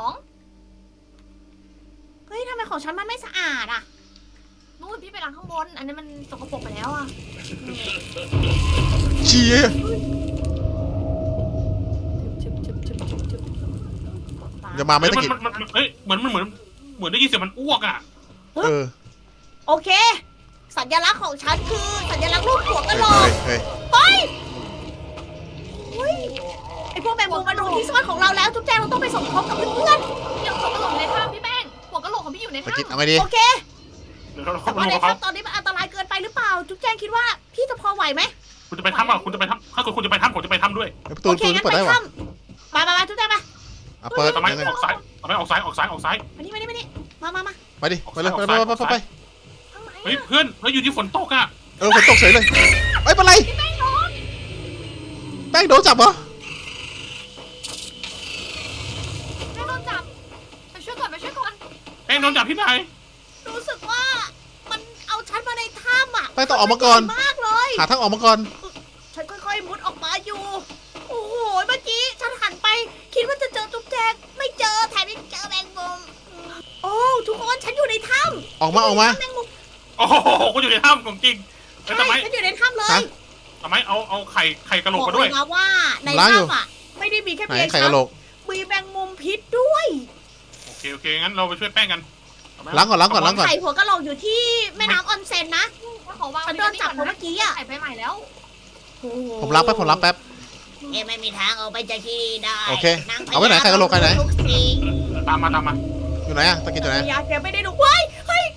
Speaker 1: เฮ้ยทำไมของฉันมันไม่สะอาดอะ
Speaker 4: นู่นพี่ไปล้างข้างบน อันนี้มันสกปรกไปแล้วอ่ะ
Speaker 2: เชี่ย อย่ามาไม่
Speaker 3: เฮ้ย
Speaker 2: ตะ
Speaker 3: มัน
Speaker 2: กี้
Speaker 3: มันมันเฮ้ยเหมือนมันเหมือนเหมือนได้ยินเสียงมันอ้วกอ่ะ
Speaker 2: เออ
Speaker 1: โอเค สัญลักษณ์ของฉันคือสัญลักษณ์รูปหัวกะ
Speaker 2: เฮ้ย
Speaker 1: โหลก
Speaker 2: เฮ้ย
Speaker 1: ไปเฮ้ยไอพวกแมงมุมมันรู้ที่ซ่อนของเราแล้วจุ๊บแจงเราต้องไปสมทบกับเพื่อน
Speaker 4: เดี๋ยวหัวกะโหลกอยู่ในถ้ำพี่แป้งหัวกะโหลกของพี่อยู่ใน
Speaker 2: ตะ
Speaker 4: ถ้ำ
Speaker 2: กี้เอาไงดี
Speaker 1: ๆโอเค
Speaker 3: เดี๋ยวเรา
Speaker 1: แต่
Speaker 3: เข้ามา
Speaker 1: ว่า
Speaker 3: ล
Speaker 1: ใน
Speaker 3: งกับเขา
Speaker 1: ถ้ำตอนนี้มันอันตรายเกินไปหรือเปล่า จุ๊บแจงคิดว่าพี่จะพอไหวไหม
Speaker 3: คุณจะไปถ้ำเปล่าคุณจะไปถ้ำถ้าคุณคุณจะไปถ้ำผมจะไปถ้ำด้วย
Speaker 2: เฮ้ยประตู
Speaker 1: โอ
Speaker 2: ประ
Speaker 1: เค
Speaker 2: ตู
Speaker 1: งั้
Speaker 2: นี่
Speaker 1: น
Speaker 2: เปิด
Speaker 1: ไป
Speaker 2: ได้วะ
Speaker 1: ถ้ำมามามาจุ๊บแจงมา
Speaker 2: อ่ะเปิด
Speaker 3: ทำไม
Speaker 2: ยังไง
Speaker 3: ออกซ้ายทำไมออกซ้ายออกซ้ายออกซ้าย
Speaker 1: มานี่มานี่มานี่มามามา
Speaker 2: ไปดิไปเลยไปไปไปไปไป
Speaker 4: ข้างใน
Speaker 3: เฮ้ยเพื่อนเฮ้ยอยู่ที่ฝนตกอ่ะ
Speaker 2: เออฝนตกเฉยเลยเอ้ยเป็นไรแป้งโดนจับเหรอ
Speaker 4: แม่โดนจับ ไปช่วยก่อนไปช่วยก่อน
Speaker 3: แป้งโดนจับที่ไหน
Speaker 1: รู้สึกว่ามันเอาฉันมาในถ้ำอ่ะ
Speaker 2: แป้งต้องออกมาก่อน
Speaker 1: มากเลย
Speaker 2: หาทางออกมาก่อน
Speaker 1: ฉันค่อยๆมุดออกมาอยู่ โอ้โห เมื่อกี้ฉันหันไป คิดว่าจะเจอจุ๊บแจงไม่เจอแถมยังเจอแมงมุมโอ้ทุกคนฉันอยู่ในถ้ำ
Speaker 2: ออกมาออกมา
Speaker 1: แมงมุม
Speaker 3: โอ้โหคุณอยู่ในถ้ำของจริงเฮ้ย
Speaker 1: ใช่
Speaker 3: ทำไม
Speaker 1: ฉันอยู่ในถ้ำเลย
Speaker 2: ฮะ
Speaker 3: ทำไมเอาเอาไข่ไข่กระโหลก
Speaker 1: บอก
Speaker 3: มา
Speaker 1: เล
Speaker 3: ด้วย
Speaker 1: ยนะว่าใน
Speaker 2: ล้างอยู่
Speaker 1: ถ้ำอ่ะไม่ได้มีแค่
Speaker 2: ไหน
Speaker 1: เพียง
Speaker 2: ไข่กะโหลก
Speaker 1: มีแมงมุมพิษด้วย
Speaker 3: โอเคโอเคงั้นเราไปช่วยแป้งกันเอไหม
Speaker 2: ล้างก่อนล้างก่อนล้างก่อน
Speaker 1: ไข่หัวกะโหลกอยู่ที่แม่น้ำออนเซ็นนะ
Speaker 4: ถ้าขอวาง
Speaker 1: ฉันโดนจับเพราะเมื่อกี้อ่ะ
Speaker 4: ไข่ไปใหม่แล้ว
Speaker 1: โอ้โห
Speaker 2: ผมล้างแป๊บผมล้างแป๊บ
Speaker 1: เอ๊ะไม่มีทางเอาไปจากที่นี่ได้
Speaker 2: โอเค
Speaker 1: นงพญ
Speaker 2: เอาไว้ไหนไข่กะโหลกไข่ไหน
Speaker 1: ทุกสิ่ง
Speaker 3: ตามมาตามมา
Speaker 2: อยู่ไหนอะตะกี้อยู่ไหน
Speaker 1: พญาแกไม่ได้ดูเว้ยเฮ้ย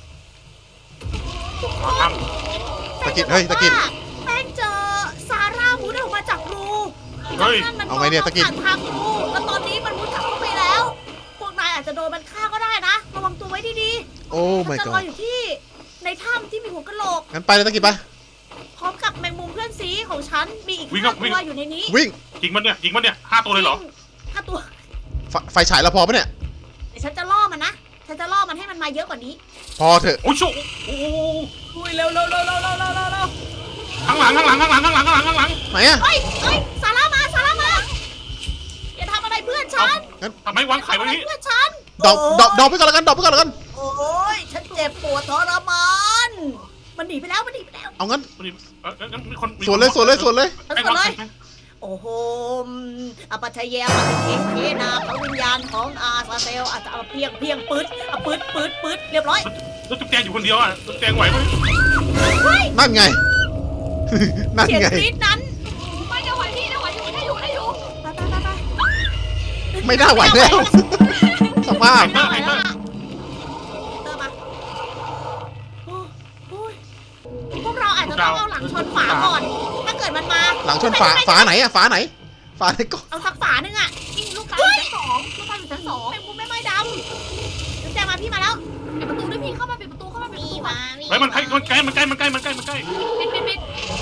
Speaker 3: เอาถ้
Speaker 2: ตะกิดเฮ้ยตะกิด
Speaker 1: แป้งเจอซาร่ามุดออกมาจากรู
Speaker 3: ำเฮ้ย
Speaker 1: จากนั้นมัน
Speaker 2: เอาไงเนี่ยตะกิด
Speaker 1: ผ่านทางรูแล้วตอนนี้มันมุดกลับเข้าไปแล้ว พวกนายอาจจะโดนมันฆ่าก็ได้นะ ระวังตัวไว้ดี
Speaker 2: โอ้
Speaker 1: ๆ
Speaker 2: my
Speaker 1: จะรอ
Speaker 2: god
Speaker 1: อยู่ที่ในถ้ำที่มีหัวกะโหลก
Speaker 2: งั้นไปเลยตะกี้ไป
Speaker 1: พร้อมกับแมงมุมเพื่อนซีของฉัน มีอีก
Speaker 3: วิ่ง
Speaker 1: ห้า
Speaker 3: ครับวิ่ง
Speaker 1: ตัวอยู่ในนี้
Speaker 2: วิ่ง
Speaker 3: ยิงมันเนี่ยยิงมันเนี่ยห้าตัวเลยเหรอ
Speaker 1: ห้าตัว
Speaker 2: ไฟไฟฉายเราพอปะเนี่ย
Speaker 1: เดี๋ยวฉันจะล่อมันนะ ฉันจะล่อมันให้มันมาเยอะกว่านี้
Speaker 2: พอเถอะ
Speaker 3: โอ้ยโชโอ้โห
Speaker 1: อุ้ยเร็วเร็วเร็วเร็วเร็วเร็วเร็วเร็ว
Speaker 3: ข้างหลังข้างหลังข้างหลังข้างหลังข้างหลังข้างหลัง
Speaker 2: ไหนอะ
Speaker 1: เฮ้ยเฮ้ยซาร่ามาซาร่ามาอย่าทำอะไรเพื่อนฉัน
Speaker 3: ทำไมวางไข่ไว้นี้
Speaker 1: เพื่อนฉัน
Speaker 2: ดอกดอกดอกไปก่อนแล้วกันดอกไปก่อนแล้วกัน
Speaker 1: โอ้ยฉันเจ็บปวดทรมาน มันหนีไปแล้วมันหนีไปแล้ว
Speaker 2: เอางั้น
Speaker 3: เอองั้นมีคนมีคน
Speaker 2: สวนเลยสวนเลยสวนเลย
Speaker 3: แป้งวางไข่ไหม
Speaker 1: โอ้โหมอปัชเยปฏิเทเทนาพระวิญญาณของอาซาเซลอาจจะเอาเพียงเพียงปืดเอาปืดปืดปืดเรียบร้อย
Speaker 3: แล้วจุ๊บแจงอยู่คนเดียวอ่ะจุ๊บแจงไหวไหม
Speaker 2: นั่นไง นั่น
Speaker 1: เสียง
Speaker 2: ไง
Speaker 1: กรี๊ดนั้น
Speaker 4: ไม่ได้ไหวพี่ได้ไหวอยู่ได้อยู่ได้อยู่
Speaker 1: ไปไปไปไป
Speaker 2: ไม่น่าไหวแล้ว สภาพ
Speaker 1: ไม่น่าไหวแล้วอะเติมมาโอ้โอ้ยพวกเราอาจจะต้องเอาหลังชนฝาก่อน ถ้าเกิดมันมา
Speaker 2: หลังชนฝาฝาไหนอะฝาไหน ฝาไหนก็
Speaker 1: เอาสักฝาหนึ่งอะ
Speaker 4: นี่ลูกตาอยู่ชั้นสองลูกตาอยู่ชั้นสอง
Speaker 1: แมงมุมไม่ไหม้ดำจุ๊บแจงมาพี่มาแล้ว
Speaker 4: ปิดประตูด้วยพี่เข้ามาปิดประตูเข้ามาปิดประตูก่อน
Speaker 3: เฮ้ยมันใกล้มันใกล้มันใกล้มันใกล้มันใกล้มันใกล้
Speaker 4: ปิดปิดปิด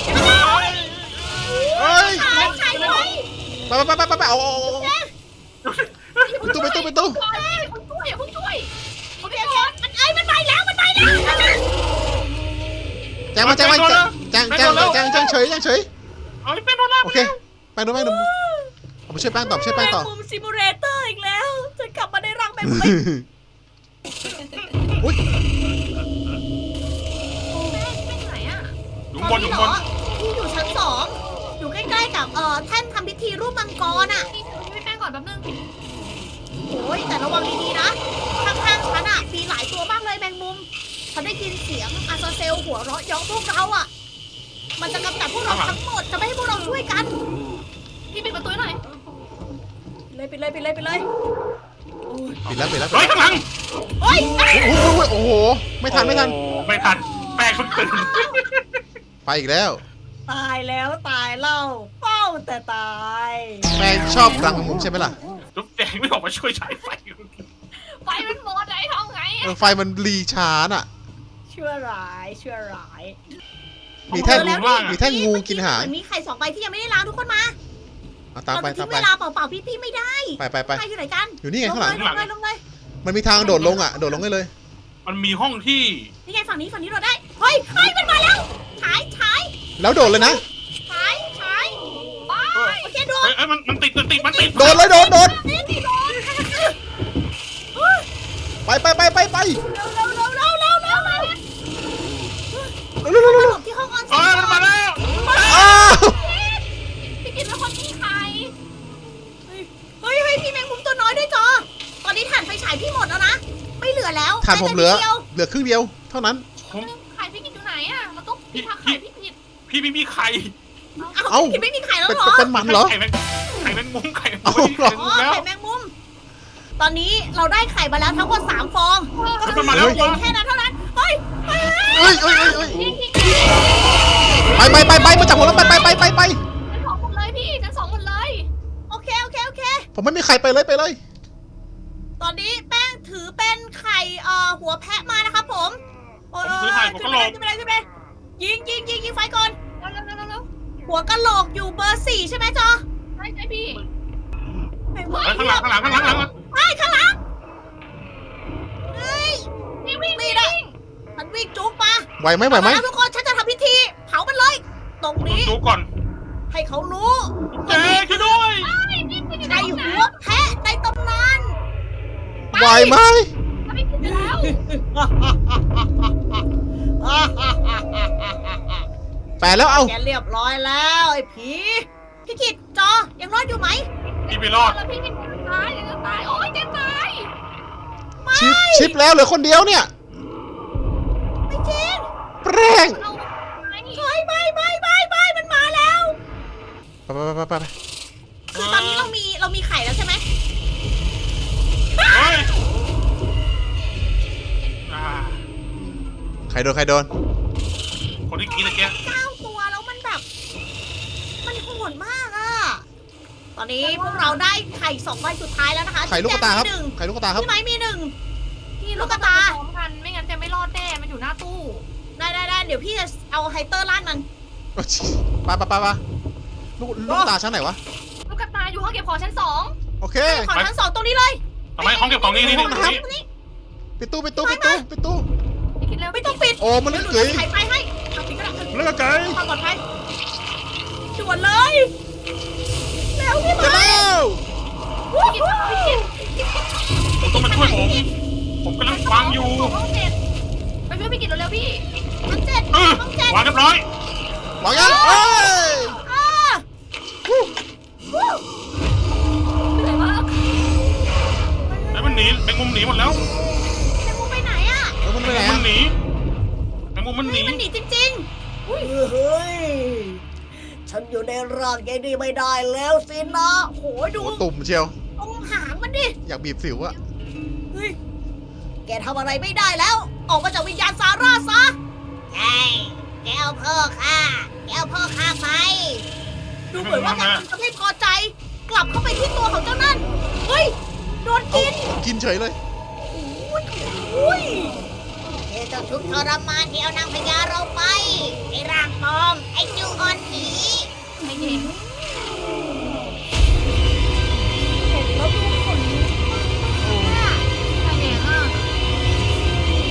Speaker 2: เฮ้ย
Speaker 1: ถ่ายถ่ายไว้
Speaker 2: ไปไปไปไปไปเอาเอาเอาไปตู้ไปตู้ไปตู้
Speaker 4: ก่อนอย่าเพิ่งช่วยอย่าเพิ่งช่วย
Speaker 1: โอเคโอเคมันเอ้ยมันไปแล้วมันไปแล้ว
Speaker 2: แจ้งมาแจ้งมาแจ้งแจ้งแจ้งแจ้งแจ้งเฉยแจ้งเฉย
Speaker 3: เอ้ยเป็นโดนล่า
Speaker 2: โอเคแป้งดูแป้งดูเอาไปช่วยแป้งต่อช่วยแป้งต่อ
Speaker 1: แมงมุมซิมูเลเตอร์อีกแล้วฉันกลับมาในรังแมงมุม
Speaker 2: อุ้ย
Speaker 4: แม่ไปไหนอ่ะ
Speaker 3: อยู่ข้างบนอยู่ข้างบน
Speaker 1: พี่อยู่ชั้นสองอยู่ใกล้ๆกับเอ่อแท่นทำพิธีรูปมังกรอ่ะ
Speaker 4: พี่พี่แป้งก่อนแป๊บนึง
Speaker 1: โอ้ยแต่ระวังดีๆนะข้างๆฉันอ่ะมีหลายตัวมากเลยแมงมุมฉันได้ยินเสียงอาซาเซลหัวเราะเยาะพวกเราอ่ะ มันจะกำจัดพวกเราทั้งหมดจะไม่ให้พวกเราช่วยกัน
Speaker 4: พี่ปิดประตูให้หน่อย
Speaker 1: เลยไปเลยไปเลยไปเลยโอ้ย
Speaker 2: ปิดแล้วปิดแล้วปิด
Speaker 3: เฮ้ย
Speaker 2: แล้ว
Speaker 3: ข้างหลัง
Speaker 1: โอ้ย
Speaker 2: โอ้โหโอ้โหไม่ทันไม่ทัน
Speaker 3: โอ้ไม่ทันแป้งเพิ่งตื่น
Speaker 2: ไปอีกแล้ว
Speaker 1: ตายแล้วตายเล่าเป้าแต่ตาย
Speaker 2: แม่งชอบรังมุมใช่ไหมล่ะ
Speaker 3: จุ๊บแจงไม่ออกมาช่วยฉายไฟ
Speaker 4: ไฟมันหมดไอ้ทำไง
Speaker 2: เออไฟมันรีช้าน่ะ
Speaker 1: ชั่วร้ายชั่วร้าย
Speaker 2: มีแท่ง
Speaker 1: เจอแล้ว
Speaker 2: มีแท่งงูกินหาง
Speaker 1: เมื่อมีไข่สองใบที่ยังไม่ได้ล้างทุกคนมา
Speaker 2: เอาตามไป
Speaker 1: เราจะ
Speaker 2: ตาม
Speaker 1: ทิ้ง
Speaker 2: ไป
Speaker 1: เวลาเปล่าๆพี่ๆไม่ได้
Speaker 2: ไปไปไป
Speaker 1: ใครอยู่ไหนกัน
Speaker 2: อยู่นี่ไง
Speaker 1: ลง
Speaker 2: ข้างหลัง
Speaker 1: เลยลงเลยลงเลย
Speaker 2: มันมีทางโดดลงอ่ะโดดลงได้เลย
Speaker 3: มันมีห้องที่
Speaker 1: นี่ไงฝั่งนี้ฝั่งนี้เราได้เฮ้ยเฮ้ยมันมาแล้วฉายฉาย
Speaker 2: แล้วโดดเลยนะ
Speaker 1: ฉายฉายไปโอเคโดน
Speaker 3: เอ้ยเอ้ยมันมันติดมันติดมันติด
Speaker 2: โดดเลยโดดโดด
Speaker 1: นี่นี่โดน
Speaker 2: ไปไปไปไปไป
Speaker 1: เร็วเร็วเร็วเร็วเร็วเร็วเร็ว
Speaker 2: เร็วเร็วเร็ว
Speaker 1: ห
Speaker 2: เร็ว
Speaker 1: ลบที่ห้องออน
Speaker 3: เอ
Speaker 1: เซ็น
Speaker 3: อมันมาแล้ว
Speaker 2: อ้าว
Speaker 4: พี่กินเป็นคนมีใคร
Speaker 1: เฮ้ยเฮ้ยพี่แมงมุมตัวน้อยด้วยจอ ตอนนี้ถ่านไฟฉายพี่หมดแล้วนะ ไม่เหลือแล้ว
Speaker 2: ฐานผมเหลือ
Speaker 1: แค่นิดดียว
Speaker 2: เหลือครึ่งเดียวเท่านั้น
Speaker 3: ผม
Speaker 4: ไข่พี่กินอยู่ไหนอ่ะเราต้องพี่ทักไข่พี่กิน
Speaker 3: พี่ไม่มีไข่
Speaker 1: เอ้าพี่ไม่มีไข่แล้ว
Speaker 2: เป็น
Speaker 1: เหรอ
Speaker 2: เป็นมันเหรอ
Speaker 3: ไข่แมงไข่แมงมุมไข่แมง
Speaker 2: เอา
Speaker 3: มุม
Speaker 2: เหรอ
Speaker 3: ไข่แมง
Speaker 1: อ๋
Speaker 3: มุ
Speaker 1: อ
Speaker 3: มแล้ว
Speaker 1: ไข่แมงมุม ตอนนี้เราได้ไข่มาแล้วทั้งหมดสามฟอง
Speaker 3: มันมาแล้ว
Speaker 1: เหลือแค่นั้นเท่านั้น เฮ้ยเฮ้ย
Speaker 2: เอ้ยเอ้ยเอ้ยเอ้ย
Speaker 4: พี่กิน
Speaker 2: ไปไปไปไปมาจากผมแล้วไปไปไปไปไป
Speaker 4: ชั้นสองหมดเลยพี่ชั้นสองหมดเลย
Speaker 1: โอเคโอเคโอเค
Speaker 2: ผมไม่มีใครไปเลยไปเลย
Speaker 1: ตอนนี้แป้งถือเป็นไข่เอ่อหัวแพะมานะครับผมโอ้ย
Speaker 3: ผมถือไข่หัว
Speaker 1: ขึ้
Speaker 3: กะ
Speaker 1: น
Speaker 3: โหล
Speaker 1: ไป
Speaker 3: ก
Speaker 1: เลยขึ้นไปเลยขึ้นไปเลยยิงยิงยิงยิงไฟก่อน
Speaker 4: เร็วเร็วเร็วเร็ว
Speaker 1: หัวกะโหลกอยู่เบอร์สี่ใช่ไหมจอ
Speaker 4: ใช่ใช่พี่
Speaker 1: แมงมุม
Speaker 3: เฮ้ยข้างหลังข้างหลังข้างหลังข้างหลัง
Speaker 1: ไอ้ยข้างหลังเฮ้ย
Speaker 4: พี่วิ่ง
Speaker 1: นี่
Speaker 4: วิ่ง
Speaker 1: นะมันวิ่งจุกมา
Speaker 2: ไหวไหมไหวไหม
Speaker 1: เอาละทุกคนฉันจะทำพิธีเผามันเลย ตรง
Speaker 3: ดู
Speaker 1: นี้
Speaker 3: ดูก่อน
Speaker 1: ให้เขารู้
Speaker 3: เจ๊ช่วยด้วย
Speaker 1: ในหัวแพะในตำนาน
Speaker 2: ไหวไหม
Speaker 4: พี่กินแล้ว
Speaker 2: แปดแล้วเอา
Speaker 1: แกเรียบร้อยแล้วไอ้ผีพี่กิตจอยังรอดอยู่ไหม
Speaker 3: พี่ไปรอด
Speaker 4: แล้วพี่กินตายเดี๋ยวจะตายโอ๊ยจะตาย
Speaker 2: ชิปชิปแล้วเหลือคนเดียวเนี่ย
Speaker 1: ไม่จริง
Speaker 2: แปร่ง
Speaker 4: เราไอ้
Speaker 1: เฮ้ยไม่ไม่ไม่ไม่มันมาแล้ว
Speaker 2: ไปไปไปไปไป
Speaker 1: คือตอนนี้เรามีเรามีไข่แล้วใช่ไหม
Speaker 3: เฮ้ยอ่า
Speaker 2: ใครโดนใครโดน
Speaker 3: คนที่กินตะเกียบ
Speaker 1: เก้าตัวแล้วมันแบบ มันโหดมากอะตอนนี้พวกเราได้ไข่สองใบสุดท้ายแล้วนะคะ
Speaker 2: ไข่ลูกกระตาครับ
Speaker 1: พี่แจงมีหนึ่ง
Speaker 2: ไข่ลูกกระตาครับ
Speaker 1: พี่ไม้มีหนึ่ง
Speaker 4: พี่
Speaker 1: ลูกกระตา
Speaker 4: พร้อมกันไม่งั้นจะไม่รอดแน่มันอยู่หน้าตู้
Speaker 1: ได้ได้ได้เดี๋ยวพี่จะเอาไฮเตอร์ล่านมัน
Speaker 2: ไปไปไปไปลูกลูกกระตาชั้นไหนวะ
Speaker 4: ลูกกระตายอยู่ห้องเก็บของชั้นสอง
Speaker 2: โอเค
Speaker 1: ขอชั้นสองตรงนี้เลย
Speaker 3: ทำไมห้องเก็บของนี่นี่นี่
Speaker 2: ห้อง
Speaker 3: ตรง
Speaker 2: น้ำ
Speaker 3: นี้
Speaker 1: ตรงนี้
Speaker 2: ปิดตู้ปิดตู้ปิดตู้ปิดตู้
Speaker 4: พี่กินเร็ว
Speaker 1: ไม่ต้องปิด
Speaker 2: โอ้มัน
Speaker 1: เดี๋ยวหนู
Speaker 2: เกย
Speaker 1: จะไขไฟให้เอาปิดก็ได้
Speaker 2: เลือกไก่
Speaker 1: ความปลอดภัยด่วนเลยเร็วพี่
Speaker 2: จะ
Speaker 1: ไม้
Speaker 2: แล้ว
Speaker 4: พี่กินพี่กิน
Speaker 3: ผมต้องมาช่วยผม ผมกำลังฟังอยู่
Speaker 4: ห้องเจ็ดไปช่วยพี่กินเร็วๆพี่
Speaker 1: ห้องเจ็ด
Speaker 3: เออ
Speaker 1: ห้องเจ็ด
Speaker 3: วางเรียบร้อย
Speaker 2: วางยังเอ้ย
Speaker 1: อ่าวู้วู้
Speaker 4: เหนื่อยมาก
Speaker 3: แล้วมันหนีแมงมุมหนีหมดแล้ว
Speaker 1: แมงมุมไปไหนอ่ะ
Speaker 2: แล้วมันไปไหน
Speaker 3: มั
Speaker 2: อะ
Speaker 3: นหนีแมงมุมมันหนี
Speaker 1: มันหนีจริงๆเฮ้ยฉันอยู่ในร่างยายดีไม่ได้แล้วสินะโหดู
Speaker 2: โอ้ตุ่มเชียว
Speaker 1: ตรงหางมันดิ
Speaker 2: อยากบีบสิวอะ
Speaker 1: เฮ้ยแกทำอะไรไม่ได้แล้ว ออกมาจากวิญญาณซาร่าซะใช่แกเอาพ่อข้าแกเอาพ่อข้าไป ดูเหมือนว่าแกจะไม่พอใจ กลับเข้าไปที่ตัวของเจ้านั่น เฮ้ย โดน
Speaker 2: เอา
Speaker 1: กิน
Speaker 2: กินเฉยเลย
Speaker 1: อุ้ยอุ้ยเจ้าเจ้าทุกข์ทรมานที่เอานางพญาเราไป ไอ้ร่างปลอม ไอ้จูออนผี
Speaker 4: ไม่เห็น
Speaker 1: เห็นแล้วดูขนลุกมาก
Speaker 4: ไม่เห็นอ่ะ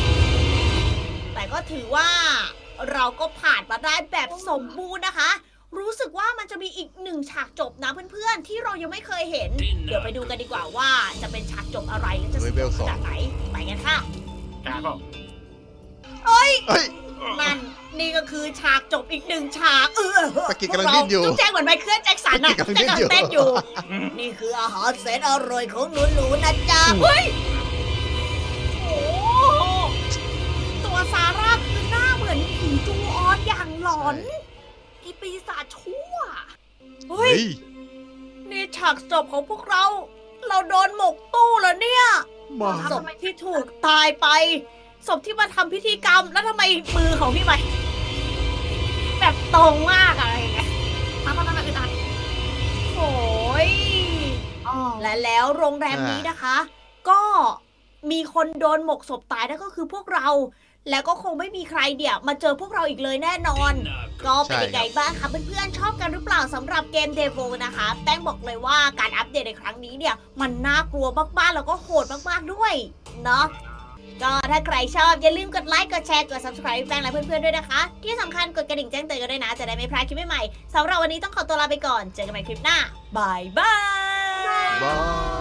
Speaker 1: แต่ก็ถือว่าเราก็ผ่านมาได้แบบสมบูรณ์นะคะรู้สึกว่ามันจะมีอีกหนึ่งฉากจบนะเพื่อนๆที่เรายังไม่เคยเห็น เดี๋ยวไปดูกันดีกว่าว่าจะเป็นฉากจบอะไรและจะสนุกขนาดไหนไปกันค่ะ
Speaker 3: กาเปล่า
Speaker 2: เฮ้ย
Speaker 1: นั่นนี่ก็คือฉากจบอีกหนึ่งฉากเออ
Speaker 2: ปากิกำลังดิ้นอยู่
Speaker 1: จุ๊บแจงเหมือนไมเคิลแจ็คสันอะ
Speaker 2: ปากิกำลังดิ้นอยู่
Speaker 1: เต้นอยู่ นี่คืออาหารแสนอร่อยของหนูๆนะจ๊ะเฮ้ยโอ้โหตัวซาร่าคือหน้าเหมือนผีจูออนอย่างหลอนไอปีศาจชั่วเฮ้
Speaker 2: เฮ้
Speaker 1: ย
Speaker 2: ย
Speaker 1: นี่ฉากจบของพวกเรา เราโดนหมกตู้แล้วเนี่ย
Speaker 2: มา
Speaker 1: ศพที่ถูกตายไปศพที่มาทำพิธีกรรมแล้วทำไมมือของพี่ใหม่แบบตรงมากอะไรอย่างเงี้ย
Speaker 4: มาตอนนั้นอึดอัด
Speaker 1: โอ้ย
Speaker 4: อ๋อ
Speaker 1: และแล้วโรงแรมนี้นะคะ ก็มีคนโดนหมกศพตายนั่นก็คือพวกเรา แล้วก็คงไม่มีใครเดี๋ยวมาเจอพวกเราอีกเลยแน่นอน ก็เป็นยังไงบ้างคะเพื่อนๆชอบกันหรือเปล่าสำหรับเกมเดโวนะคะแป้งบอกเลยว่าการอัปเดตในครั้งนี้เนี่ยมันน่ากลัวมากๆแล้วก็โหดมากๆด้วยเนาะก็ถ้าใครชอบอย่าลืมกดไลค์กดแชร์กด ซับสไครบ์ แป้งและเพื่อนๆด้วยนะคะ ที่สำคัญกดกระดิ่งแจ้งเตือนกันด้วยนะจะได้ไม่พลาดคลิปใหม่ๆสำหรับวันนี้ต้องขอตัวลาไปก่อนเจอกันใหม่คลิปหน้าบายบาย
Speaker 2: บาย